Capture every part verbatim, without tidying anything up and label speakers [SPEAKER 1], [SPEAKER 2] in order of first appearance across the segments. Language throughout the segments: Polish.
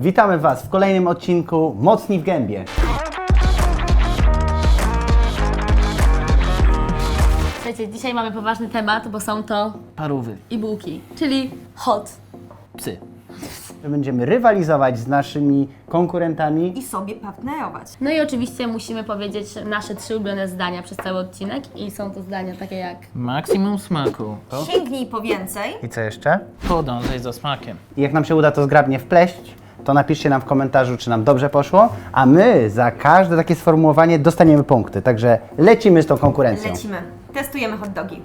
[SPEAKER 1] Witamy Was w kolejnym odcinku Mocni w Gębie.
[SPEAKER 2] Słuchajcie, dzisiaj mamy poważny temat, bo są to
[SPEAKER 3] Parówy.
[SPEAKER 2] i bułki, czyli hot.
[SPEAKER 3] Psy.
[SPEAKER 1] Będziemy rywalizować z naszymi konkurentami.
[SPEAKER 4] I sobie partnerować.
[SPEAKER 2] No i oczywiście musimy powiedzieć nasze trzy ulubione zdania przez cały odcinek i są to zdania takie jak
[SPEAKER 3] Maksimum smaku.
[SPEAKER 4] Sięgnij po więcej.
[SPEAKER 1] I co jeszcze?
[SPEAKER 3] Podążaj za smakiem.
[SPEAKER 1] I jak nam się uda to zgrabnie wpleść, to napiszcie nam w komentarzu, czy nam dobrze poszło, a my za każde takie sformułowanie dostaniemy punkty. Także lecimy z tą konkurencją.
[SPEAKER 4] Lecimy. Testujemy hot dogi.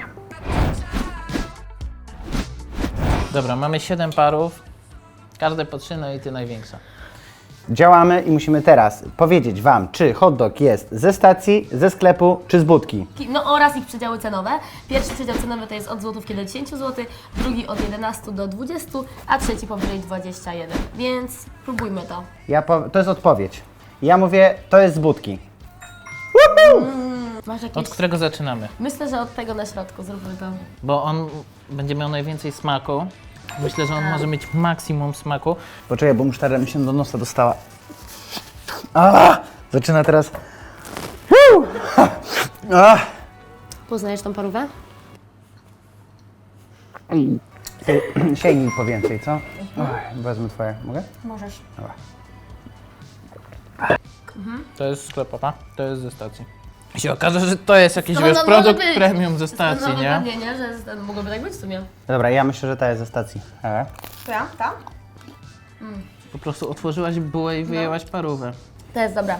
[SPEAKER 3] Dobra, mamy siedem parów. Każde po trzy, no i ty największa.
[SPEAKER 1] Działamy i musimy teraz powiedzieć Wam, czy hot dog jest ze stacji, ze sklepu, czy z budki.
[SPEAKER 2] no oraz ich przedziały cenowe. Pierwszy przedział cenowy to jest od złotówki do dziesięciu złotych, drugi od jedenastu do dwudziestu, a trzeci powyżej dwudziestu jeden. Więc próbujmy to.
[SPEAKER 1] Ja po, to jest odpowiedź. Ja mówię, to jest z budki.
[SPEAKER 2] Masz jakieś...
[SPEAKER 3] Od którego zaczynamy?
[SPEAKER 2] Myślę, że od tego na środku zróbmy to.
[SPEAKER 3] Bo on będzie miał najwięcej smaku. Myślę, że on może mieć maksimum smaku.
[SPEAKER 1] Poczekaj, bo musztarda mi się do nosa dostała. A! Zaczyna teraz. Woo! A!
[SPEAKER 2] Poznajesz tą parówę?
[SPEAKER 1] Sięgnij po więcej, co? Oj, wezmę twoje. Mogę?
[SPEAKER 4] Możesz.
[SPEAKER 1] Dobra.
[SPEAKER 3] To jest sklepowa, to jest ze stacji. I się okaże, że to jest jakiś
[SPEAKER 2] No,
[SPEAKER 3] wiesz,
[SPEAKER 2] no,
[SPEAKER 3] produkt
[SPEAKER 2] może być.
[SPEAKER 3] premium ze stacji,
[SPEAKER 2] no,
[SPEAKER 3] nie?
[SPEAKER 2] Nie, nie, że z- mogłoby tak być w sumie.
[SPEAKER 1] Dobra, ja myślę, że ta jest ze stacji. E?
[SPEAKER 4] To ja? Ta?
[SPEAKER 3] Po prostu otworzyłaś bułę i wyjęłaś parówę.
[SPEAKER 2] To jest dobra.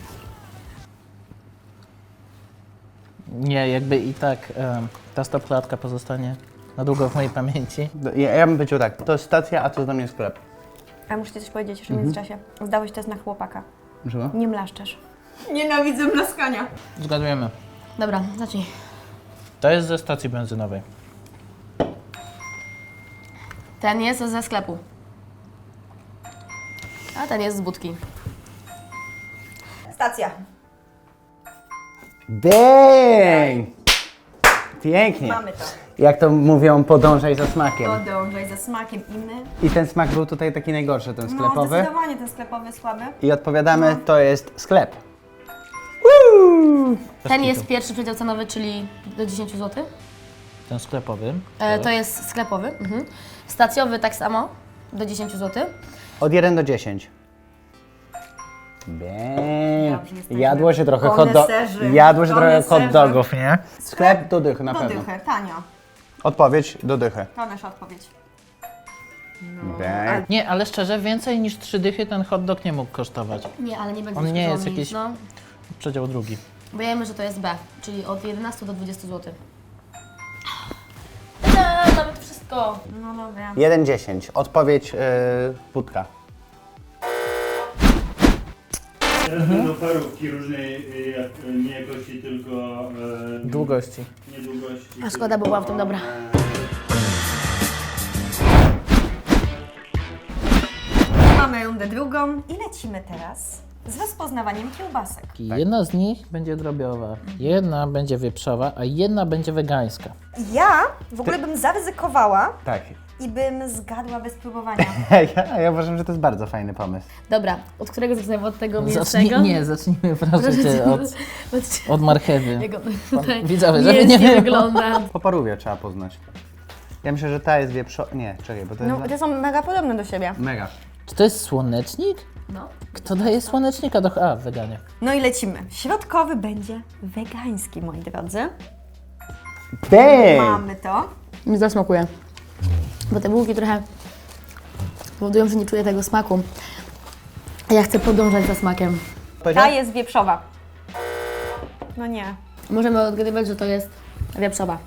[SPEAKER 3] Nie, jakby i tak em, ta stopklatka pozostanie na długo w mojej pamięci.
[SPEAKER 1] Ja, ja bym powiedział tak, to jest stacja, a to jest dla mnie sklep.
[SPEAKER 4] A muszę ci coś powiedzieć jeszcze w międzyczasie. Zdałeś test na chłopaka.
[SPEAKER 1] Żyło?
[SPEAKER 4] Nie mlaszczesz. Nienawidzę mlaskania.
[SPEAKER 3] Zgadujemy.
[SPEAKER 2] Dobra, zacznij.
[SPEAKER 3] To jest ze stacji benzynowej.
[SPEAKER 2] Ten jest ze sklepu. A ten jest z budki.
[SPEAKER 4] Stacja.
[SPEAKER 1] Dang! Pięknie.
[SPEAKER 4] Mamy to.
[SPEAKER 1] Jak to mówią, podążaj za smakiem.
[SPEAKER 4] Podążaj za smakiem i my.
[SPEAKER 1] I ten smak był tutaj taki najgorszy, ten
[SPEAKER 4] No,
[SPEAKER 1] sklepowy.
[SPEAKER 4] zdecydowanie ten sklepowy słaby.
[SPEAKER 1] I odpowiadamy, to jest sklep.
[SPEAKER 2] Ten jest pierwszy przedział cenowy, czyli do dziesięciu złotych.
[SPEAKER 3] Ten sklepowy.
[SPEAKER 2] E, to jest sklepowy. Mhm. Stacjowy tak samo, do dziesięciu złotych.
[SPEAKER 1] Od jeden do dziesięciu. Bang.
[SPEAKER 4] Dobrze, jesteśmy
[SPEAKER 1] Jadło się trochę hot do...
[SPEAKER 4] koneserzy.
[SPEAKER 1] Jadło się trochę hot
[SPEAKER 4] Koneserzy.
[SPEAKER 1] dogów, nie? Sklep do dychy na
[SPEAKER 4] Do
[SPEAKER 1] pewno.
[SPEAKER 4] dychy, tanio.
[SPEAKER 1] Odpowiedź do dychy.
[SPEAKER 4] To nasza odpowiedź.
[SPEAKER 1] Bang.
[SPEAKER 3] Nie, ale szczerze, więcej niż trzy dychy ten hot dog nie mógł kosztować.
[SPEAKER 2] Nie, ale nie będzie
[SPEAKER 3] On nie jest
[SPEAKER 2] żołnierz,
[SPEAKER 3] jakiś-
[SPEAKER 2] No.
[SPEAKER 3] Przedział drugi.
[SPEAKER 2] Bo wiemy, że to jest B, czyli od jedenastu do dwudziestu złotych. Tada, mamy to wszystko.
[SPEAKER 4] No dobra.
[SPEAKER 1] jeden dziesięć. Odpowiedź yy, budka.
[SPEAKER 5] Teraz będą parówki różnej y, jak, y, nie jakości, tylko e,
[SPEAKER 3] Długości.
[SPEAKER 5] nie długości.
[SPEAKER 2] A szkoda, bo była w tym dobra.
[SPEAKER 4] Mamy rundę drugą i lecimy teraz z rozpoznawaniem kiełbasek.
[SPEAKER 3] Jedna z nich będzie drobiowa, jedna będzie wieprzowa, a jedna będzie wegańska.
[SPEAKER 4] Ja w ogóle bym zaryzykowała
[SPEAKER 1] Tak.
[SPEAKER 4] i bym zgadła bez próbowania.
[SPEAKER 1] Ja, ja uważam, że to jest bardzo fajny pomysł.
[SPEAKER 2] Dobra, od którego zaczynamy? Od tego
[SPEAKER 3] Zacznij,
[SPEAKER 2] mięsnego?
[SPEAKER 3] nie, zacznijmy proszę cię od,
[SPEAKER 2] od...
[SPEAKER 3] od marchewy.
[SPEAKER 2] Jego tutaj
[SPEAKER 3] Widzowie, żeby nie
[SPEAKER 2] mięsnie
[SPEAKER 3] było.
[SPEAKER 2] wygląda.
[SPEAKER 1] Po parówie trzeba poznać. Ja myślę, że ta jest wieprzo... Nie, czekaj, bo to jest...
[SPEAKER 4] No, te są mega podobne do siebie.
[SPEAKER 1] Mega.
[SPEAKER 3] Czy to jest słonecznik?
[SPEAKER 2] No.
[SPEAKER 3] Kto daje słonecznika do... A, weganie.
[SPEAKER 4] No i lecimy. Środkowy będzie wegański, moi drodzy.
[SPEAKER 1] Bang!
[SPEAKER 4] Mamy to.
[SPEAKER 2] Mi zasmakuje. Bo te bułki trochę powodują, że nie czuję tego smaku. A ja chcę podążać za smakiem.
[SPEAKER 4] Ta jest wieprzowa. No nie.
[SPEAKER 2] Możemy odgadywać, że to jest wieprzowa.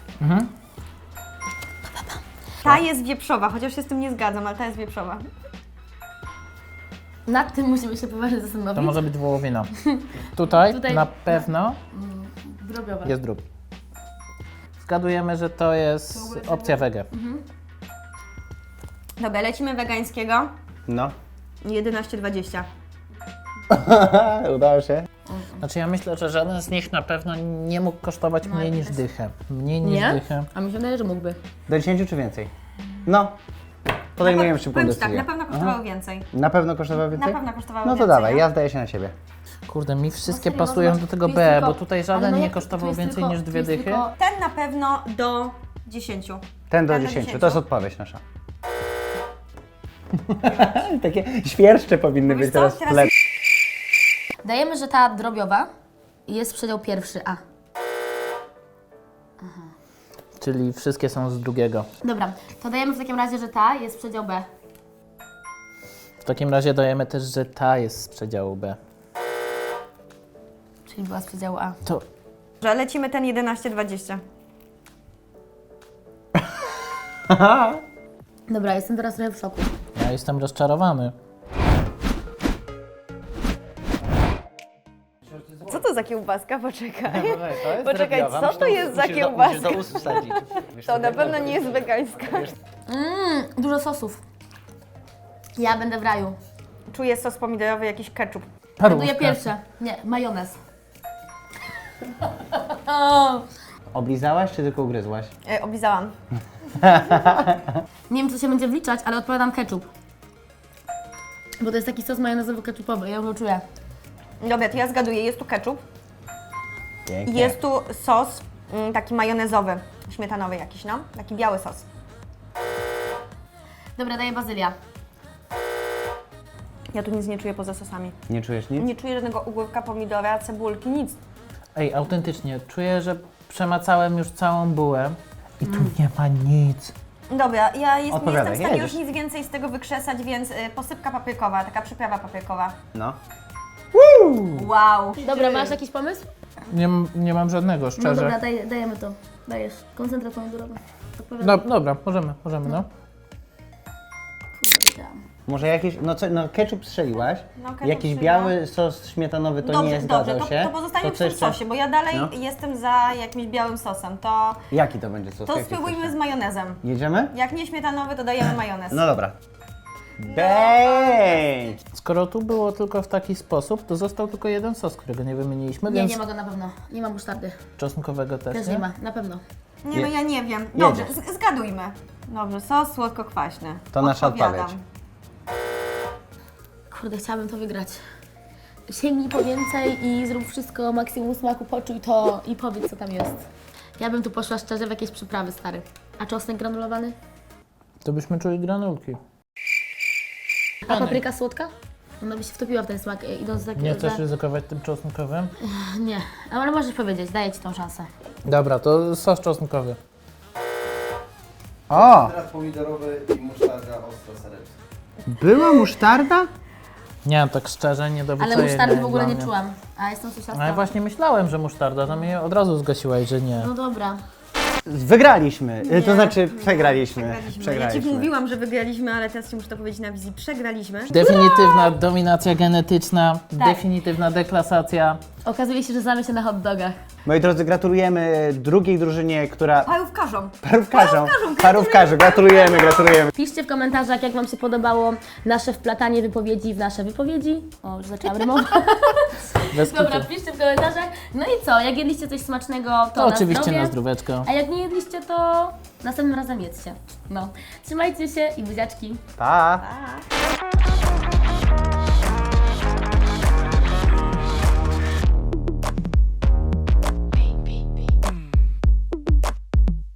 [SPEAKER 4] Ta jest wieprzowa, chociaż się z tym nie zgadzam, ale ta jest wieprzowa.
[SPEAKER 2] Nad tym musimy się poważnie zastanowić.
[SPEAKER 3] To może być wołowina. Tutaj,
[SPEAKER 2] Tutaj-
[SPEAKER 3] na pewno
[SPEAKER 2] Drobiowa.
[SPEAKER 3] jest drób. Zgadujemy, że to jest opcja wege.
[SPEAKER 4] Dobra, lecimy wegańskiego.
[SPEAKER 1] No.
[SPEAKER 4] jedenaście dwadzieścia.
[SPEAKER 1] Udało się.
[SPEAKER 3] Znaczy ja myślę, że żaden z nich na pewno nie mógł kosztować mniej niż dychę. Mniej niż
[SPEAKER 2] Nie?
[SPEAKER 3] dychę.
[SPEAKER 2] A mi się wydaje, że mógłby.
[SPEAKER 1] Do dziesięciu czy więcej? No. podejmujemy szybką
[SPEAKER 4] Powiem ci tak,
[SPEAKER 1] decyzję.
[SPEAKER 4] na pewno kosztowało więcej.
[SPEAKER 1] Na pewno kosztowało więcej?
[SPEAKER 4] Na pewno kosztowało
[SPEAKER 1] No to
[SPEAKER 4] więcej,
[SPEAKER 1] dawaj,
[SPEAKER 4] no.
[SPEAKER 1] ja zdaję się na siebie.
[SPEAKER 3] Kurde, mi wszystkie
[SPEAKER 2] No serio,
[SPEAKER 3] pasują
[SPEAKER 2] no,
[SPEAKER 3] do tego
[SPEAKER 2] tu jest
[SPEAKER 3] B,
[SPEAKER 2] tylko-
[SPEAKER 3] bo tutaj
[SPEAKER 2] ale
[SPEAKER 3] żaden
[SPEAKER 2] no
[SPEAKER 3] nie
[SPEAKER 2] jak- tu
[SPEAKER 3] kosztował
[SPEAKER 2] jest
[SPEAKER 3] więcej
[SPEAKER 2] tylko-
[SPEAKER 3] niż
[SPEAKER 2] tu
[SPEAKER 3] dwie
[SPEAKER 2] jest
[SPEAKER 3] dychy.
[SPEAKER 2] tylko-
[SPEAKER 4] Ten na pewno do dziesięciu.
[SPEAKER 1] Ten do
[SPEAKER 4] Ten do
[SPEAKER 1] dziesięciu, to
[SPEAKER 4] dziesięciu.
[SPEAKER 1] jest odpowiedź nasza. Takie świerszcze powinny
[SPEAKER 4] Wiesz
[SPEAKER 1] być
[SPEAKER 4] co,
[SPEAKER 1] teraz w
[SPEAKER 4] teraz
[SPEAKER 1] tle.
[SPEAKER 2] Dajemy, że ta drobiowa jest przedział pierwszy A.
[SPEAKER 3] Czyli wszystkie są z drugiego.
[SPEAKER 2] Dobra, to dajemy w takim razie, że ta jest przedział B.
[SPEAKER 3] W takim razie dajemy też, że ta jest z przedziału B.
[SPEAKER 2] Czyli była z przedziału A.
[SPEAKER 3] To
[SPEAKER 4] Że lecimy ten jedenaście dwadzieścia.
[SPEAKER 2] Dobra, jestem teraz trochę w szoku.
[SPEAKER 3] ja jestem rozczarowany.
[SPEAKER 4] Co to za kiełbaska? Poczekaj.
[SPEAKER 1] To jest
[SPEAKER 4] Poczekaj,
[SPEAKER 1] drobiowa.
[SPEAKER 4] co
[SPEAKER 1] Musisz
[SPEAKER 4] to
[SPEAKER 1] do-
[SPEAKER 4] jest za
[SPEAKER 1] musisz do-
[SPEAKER 4] kiełbaska?
[SPEAKER 1] musisz do ust wsadzić. Wiesz,
[SPEAKER 4] To na pewno nie jest wegańska.
[SPEAKER 2] Mmm, dużo sosów. Ja będę w raju.
[SPEAKER 4] Czuję sos pomidorowy, jakiś ketchup.
[SPEAKER 2] Ląduję pierwsze. Nie, majonez. O,
[SPEAKER 1] Oblizałaś czy tylko ugryzłaś?
[SPEAKER 4] E, oblizałam.
[SPEAKER 2] nie wiem, co się będzie wliczać, ale odpowiadam ketchup. Bo to jest taki sos majonezowo-ketchupowy, ja go czuję.
[SPEAKER 4] Dobra, to ja zgaduję. Jest tu ketchup.
[SPEAKER 1] Pięknie.
[SPEAKER 4] I jest tu sos mm, taki majonezowy, śmietanowy jakiś, no. Taki biały sos.
[SPEAKER 2] Dobra, daję bazylia.
[SPEAKER 4] Ja tu nic nie czuję poza sosami.
[SPEAKER 1] Nie czujesz nic?
[SPEAKER 4] Nie czuję żadnego ogórka, pomidora, cebulki, nic.
[SPEAKER 3] Ej, autentycznie, czuję, że przemacałem już całą bułę i tu nie ma nic.
[SPEAKER 4] Dobra, ja jest, nie
[SPEAKER 1] Odpowiadaj,
[SPEAKER 4] jestem w stanie
[SPEAKER 1] jedziesz.
[SPEAKER 4] już nic więcej z tego wykrzesać, więc y, posypka paprykowa, taka przyprawa paprykowa.
[SPEAKER 1] No.
[SPEAKER 4] Wow.
[SPEAKER 2] Dobra, masz jakiś pomysł?
[SPEAKER 3] Nie, m- nie mam żadnego,
[SPEAKER 2] No
[SPEAKER 3] szczerze.
[SPEAKER 2] dobra, daj, dajemy to. Dajesz. Koncentrat pomidorowy. Odpowiadam.
[SPEAKER 3] No, dobra, możemy, możemy, no.
[SPEAKER 2] Kurwa, wiedziałam.
[SPEAKER 1] Może jakiś, no co, no ketchup strzeliłaś,
[SPEAKER 4] No, ketchup
[SPEAKER 1] jakiś
[SPEAKER 4] strzeliłam.
[SPEAKER 1] biały sos śmietanowy to
[SPEAKER 4] Dobrze,
[SPEAKER 1] nie
[SPEAKER 4] dobrze,
[SPEAKER 1] zgadzał
[SPEAKER 4] to,
[SPEAKER 1] się.
[SPEAKER 4] to pozostanie
[SPEAKER 1] To
[SPEAKER 4] w
[SPEAKER 1] co
[SPEAKER 4] tym
[SPEAKER 1] jeszcze?
[SPEAKER 4] sosie, bo ja dalej
[SPEAKER 1] No.
[SPEAKER 4] jestem za jakimś białym sosem. To,
[SPEAKER 1] Jaki to będzie sos?
[SPEAKER 4] to
[SPEAKER 1] Jaki
[SPEAKER 4] spróbujmy
[SPEAKER 1] chcesz?
[SPEAKER 4] z majonezem.
[SPEAKER 1] Jedziemy?
[SPEAKER 4] Jak nie śmietanowy, to dajemy majonez.
[SPEAKER 1] No dobra. Bang!
[SPEAKER 3] Skoro tu było tylko w taki sposób, to został tylko jeden sos, którego nie wymieniliśmy,
[SPEAKER 2] Nie,
[SPEAKER 3] więc
[SPEAKER 2] nie ma go na pewno. Nie ma musztardy.
[SPEAKER 3] czosnkowego też,
[SPEAKER 2] Też
[SPEAKER 3] nie?
[SPEAKER 2] nie ma, na pewno.
[SPEAKER 4] Nie, no
[SPEAKER 1] Je-
[SPEAKER 4] ja nie wiem. Dobrze,
[SPEAKER 1] Jedziesz.
[SPEAKER 4] z- zgadujmy. Dobrze, sos słodko-kwaśny.
[SPEAKER 1] To nasza
[SPEAKER 4] Odpowiadam.
[SPEAKER 1] odpowiedź.
[SPEAKER 2] Kurde, chciałabym to wygrać. Sięgnij po więcej i zrób wszystko, maksimum smaku, poczuj to i powiedz, co tam jest. Ja bym tu poszła szczerze w jakieś przyprawy, stary. A czosnek granulowany?
[SPEAKER 3] To byśmy czuli granulki.
[SPEAKER 2] A papryka słodka? Ona by się wtopiła w ten smak, e, idąc tak...
[SPEAKER 3] Nie chcesz
[SPEAKER 2] za...
[SPEAKER 3] ryzykować tym czosnkowym?
[SPEAKER 2] Nie, ale możesz powiedzieć, daję Ci tą szansę.
[SPEAKER 3] Dobra, to sos czosnkowy.
[SPEAKER 1] O!
[SPEAKER 6] Teraz pomidorowy i musztarda ostro sereczna.
[SPEAKER 1] Była musztarda?
[SPEAKER 3] Nie, tak szczerze, nie do
[SPEAKER 2] Ale
[SPEAKER 3] wycenienia
[SPEAKER 2] musztardy w
[SPEAKER 3] jest
[SPEAKER 2] ogóle
[SPEAKER 3] dla
[SPEAKER 2] nie
[SPEAKER 3] mnie.
[SPEAKER 2] czułam, a jestem
[SPEAKER 3] No ja
[SPEAKER 2] sosiasta.
[SPEAKER 3] właśnie myślałem, że musztarda, to mnie od razu zgasiłaś, że nie.
[SPEAKER 2] No dobra.
[SPEAKER 1] Wygraliśmy, Y, to znaczy przegraliśmy.
[SPEAKER 4] Przegraliśmy. Ja Ci mówiłam, że wygraliśmy, ale teraz Ci muszę to powiedzieć na wizji. Przegraliśmy.
[SPEAKER 3] Definitywna dominacja genetyczna,
[SPEAKER 2] Tak.
[SPEAKER 3] definitywna deklasacja.
[SPEAKER 2] Okazuje się, że znamy się na hot dogach.
[SPEAKER 1] Moi drodzy, gratulujemy drugiej drużynie, która...
[SPEAKER 4] Parówkarzom.
[SPEAKER 1] Parówkarzom. Parówkarzom, gratulujemy, gratulujemy.
[SPEAKER 2] Piszcie w komentarzach, jak Wam się podobało nasze wplatanie wypowiedzi w nasze wypowiedzi. O, już zaczęłam rymować.
[SPEAKER 3] Bez
[SPEAKER 2] Dobra,
[SPEAKER 3] kitu.
[SPEAKER 2] piszcie w komentarzach. No i co, jak jedliście coś smacznego, to,
[SPEAKER 3] To
[SPEAKER 2] na
[SPEAKER 3] oczywiście
[SPEAKER 2] zdrowie.
[SPEAKER 3] na zdróweczko.
[SPEAKER 2] A jak nie jedliście, to następnym razem jedzcie. No. Trzymajcie się i buziaczki.
[SPEAKER 1] Pa!
[SPEAKER 4] Pa.